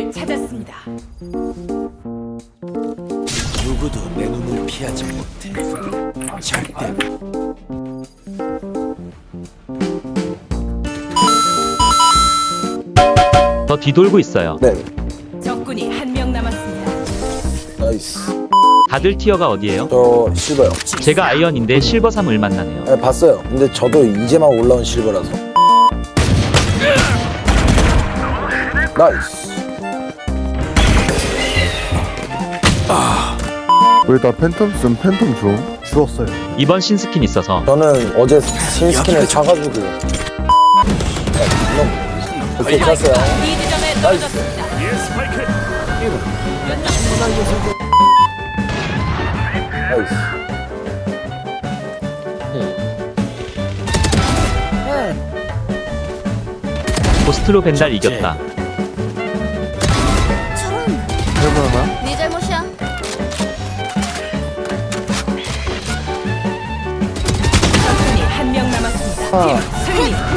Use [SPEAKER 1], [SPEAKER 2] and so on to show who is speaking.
[SPEAKER 1] 적을 찾았습니다.
[SPEAKER 2] 누구도 내 눈을 피하지 못해. 절대.
[SPEAKER 3] 더 뒤돌고 있어요.
[SPEAKER 4] 네,
[SPEAKER 1] 적군이 한 명 남았습니다.
[SPEAKER 4] 나이스.
[SPEAKER 3] 다들 티어가 어디예요?
[SPEAKER 4] 저 실버요.
[SPEAKER 3] 제가 아이언인데 실버 3을 만나네요.
[SPEAKER 4] 네, 봤어요. 근데 저도 이제만 올라온 실버라서. 나이스.
[SPEAKER 5] 왜나 팬텀 쓴 팬텀 줘? 주웠어요.
[SPEAKER 3] 이번 신스킨 있어서
[SPEAKER 4] 저는 어제 신스킨을 사가지고. 오케이, 찼어요.
[SPEAKER 1] B 지점에 떨어졌습니다.
[SPEAKER 4] 나이스.
[SPEAKER 3] 고스트로 벤달 이겼다.
[SPEAKER 5] 해보나?
[SPEAKER 6] 네 잘못이야.
[SPEAKER 1] 적군이 한 명 남았습니다. 팀 승리.